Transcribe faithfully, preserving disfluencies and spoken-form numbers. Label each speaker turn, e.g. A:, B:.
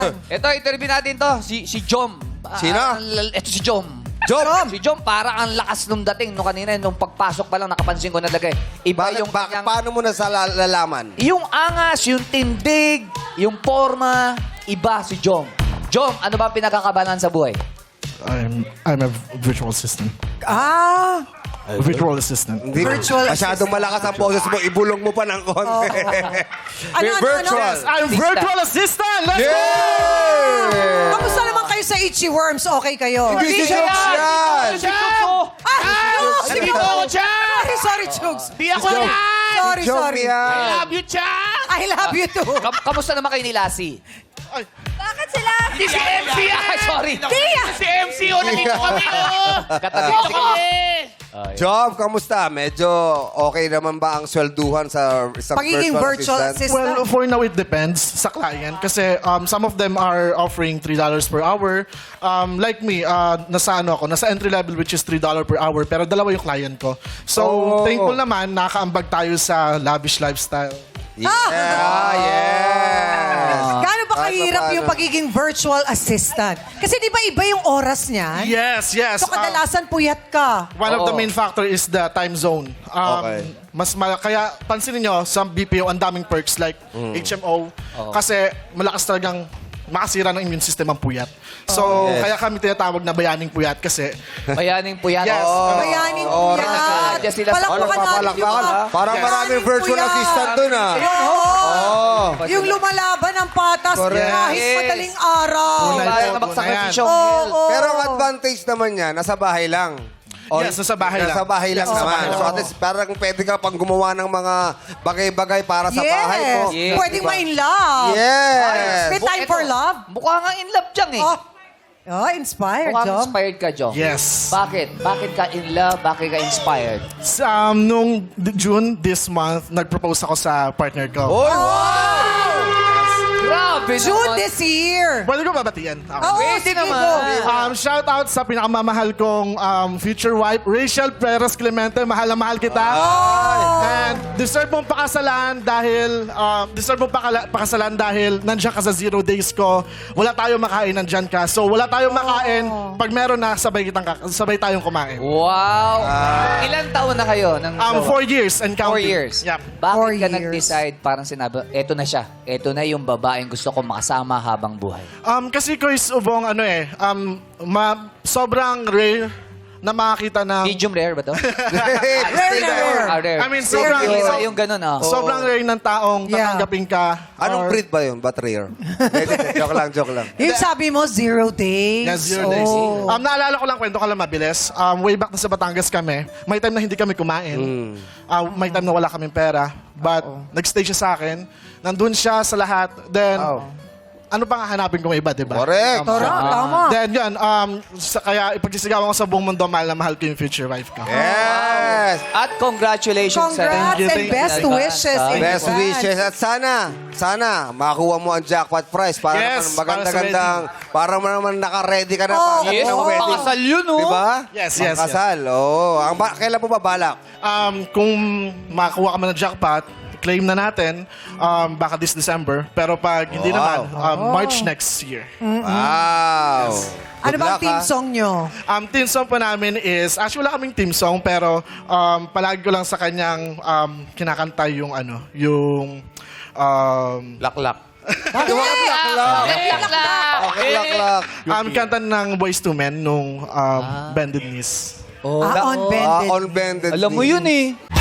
A: Ito, interview natin to. Si, si Jom.
B: Sino?
A: Ah, l- ito si Jom.
B: Jom!
A: Si Jom, parang ang lakas nung dating nung kanina, nung pagpasok pa lang, nakapansin ko na talaga. eh. Iba
B: Bakit,
A: yung
B: bakit,
A: kanyang-
B: paano mo na sa lalaman?
A: Yung angas, yung tindig, yung forma, iba si Jom. Jom, ano ba ang pinakakabalan sa buhay?
C: I'm I'm a virtual assistant.
D: Ah!
C: Virtual assistant.
B: Hindi,
D: Virtual
B: masyadong malakas ang boses mo, ibulong mo pa ng konti.
D: Ano, ano,
B: Virtual.
D: ano?
C: I'm virtual assistant! Let's
B: Yeah!
D: Kamusta naman kayo sa Itchy Worms? Okay kayo?
B: Hindi si Jokes yan!
A: Si Jom!
D: Ah! Chugs!
E: Sabi ko ako, Chugs!
D: Sorry, sorry, Chugs.
E: Di ako yan!
D: Sorry,
B: Joke
D: sorry.
B: yan.
E: I love you, Chugs!
D: I love you too.
A: Kam- kamusta naman kayo ni Lassie?
D: Bakit sila?
E: Di si M C yan!
A: Ay, sorry.
D: Tia!
E: Si M C, oh, nandito kami, oh!
A: Katabi
E: Dito
A: ko.
E: kami!
B: Job, kamusta? Medyo okay naman ba ang swelduhan sa isang
D: Pagiging virtual assistant?
C: Well, for now, it depends sa client. Kasi um, some of them are offering three dollars per hour. Um, like me, uh, nasa ano ako, nasa entry level which is three dollars per hour. Pero dalawa yung client ko. So,
B: Oh.
C: thankful naman, nakakaambag tayo sa lavish lifestyle.
B: Yeah, yes!
D: Gaano ba
B: Kahit
D: kahirap
B: paano.
D: yung pagiging virtual assistant? Kasi di ba iba yung oras niya?
C: Yes, yes.
D: So
C: Uh,
D: kadalasan puyat ka.
C: One of the
A: Oo.
C: main factor is the time zone. Um,
B: Okay.
C: Mas ma- kaya pansinin nyo, sa B P O, ang daming perks like H M O. Kasi malakas talagang makasira ng immune system ang puyat. So,
B: Yes.
C: kaya kami tinatawag na bayaning puyat kasi
A: Bayaning po yan.
C: Yes.
A: Oo.
D: Bayaning
B: oras.
D: puyat.
A: Diyan sila sa-
D: Palakpakan natin yung mga...
B: Parang
C: Yes.
B: maraming virtual
D: Puyat.
B: assistant dun ah.
D: Oo. Yung lumalaban ng patas
B: Correct.
D: kahit
A: Yes.
D: madaling araw.
C: Tunay.
A: Parang
C: Tunay
A: nabagsakripisyo.
D: Oo.
B: Pero ang advantage naman niya, nasa bahay lang.
C: Yes, nasa bahay lang.
B: Nasa bahay lang
C: Yes, nasa
B: naman.
C: bahay lang.
B: So at least parang pwede ka pang gumawa ng mga bagay-bagay para sa
D: Yes.
B: bahay mo.
A: Yes.
D: Pwedeng
B: Diba?
D: ma-in love.
B: Yes.
D: May time for love.
A: Mukha nga in love dyan eh.
D: Oh, oh inspired,
A: Mukhang
D: Jom.
A: inspired ka, Jom.
C: Yes.
A: Bakit? Bakit ka in love? Bakit ka inspired?
C: Um, nung d- June this month, nag-propose ako sa partner ko.
B: Oy, wow!
A: Grabe
D: June
A: naman.
D: this year.
C: Pwede ko babatian? Okay.
D: Oo,
A: Pwede
D: sige
A: naman.
D: go.
C: Um, shout out sa pinakamamahal kong um, future wife, Rachel Perez Clemente. Mahal na mahal kita. And deserve mong pakasalan dahil um, deserve mong pakala- pakasalan dahil nandiyan ka sa zero days ko. Wala tayong makain, nandiyan ka. So wala tayong makain. Pag meron na, sabay kitang kak- sabay tayong kumain.
A: Wow. Ilan taon na kayo? Ng
C: Um,
A: jowa?
C: four years and counting.
A: Four years.
C: Yep.
A: Bakit
D: Four
A: ka
D: years.
A: nag-decide, parang sinabi, eto na siya. Eto na yung babaeng gusto ko makasama habang buhay.
C: Um, kasi ko is ubong ano eh, um, ma- sobrang rare na makakita ng...
A: Medium rare ba to?
D: Rare na rare.
A: Ah, rare.
C: I mean, sobrang-
A: Yung,
C: so-
A: yung ganun, ah.
C: Sobrang rare ng taong
D: Yeah.
C: tatanggapin ka.
B: Anong
C: or-
B: breed ba yun? Ba't rare? Hindi, joke lang, joke lang.
D: Yung sabi mo, zero days.
C: Yeah, zero days.
D: Oh.
C: Um, naalala ko lang, kwento ko lang mabilis. Um, way back na sa Batangas kami, may time na hindi kami kumain. Uh, may time na wala kaming pera. But, nag-stay siya sa akin. Nandun siya sa lahat. Then, ano pang hahanapin ko may iba, di ba?
B: Correct.
D: Tara, tama.
C: Then, yun. Um, sa, kaya, ipagsisigawan ko sa buong mundo, mahal na mahal ko yung future wife ko.
B: Yes!
A: At congratulations sa...
D: Congrats
C: you,
D: and
C: thank you.
D: best wishes. in
B: Best
D: advance.
B: wishes. At sana, sana, makakuha mo ang jackpot prize para
C: Yes,
B: naman
C: para sa
B: maganda-gandang, para mo naman naka-ready ka na
D: Oh,
B: pag
A: Yes,
B: ng wedding.
A: pakasal yun, oh.
B: Diba?
C: Yes, yes,
B: Pakasal, oo. Ang ba- kailan po ba balak?
C: Um, kung makakuha ka man ng jackpot, claim na natin um, baka this December. Pero pag hindi
B: Wow.
C: naman, um, March next year.
B: Wow.
D: Ano
B: Good
D: bang
B: luck,
D: team
B: ha?
D: song nyo?
C: Um, team song po namin is, actually wala kaming team song, pero um, palagi ko lang sa kanyang um, kinakanta yung ano, yung um,
E: Laklak.
B: Laklak. Okay, laklak.
C: um, kanta ng Boyz two Men nung um, Bended Knees.
A: Oh,
D: Ah, on
B: Ah,
D: bended.
B: on bended
A: alam mo
B: knee.
A: yun eh.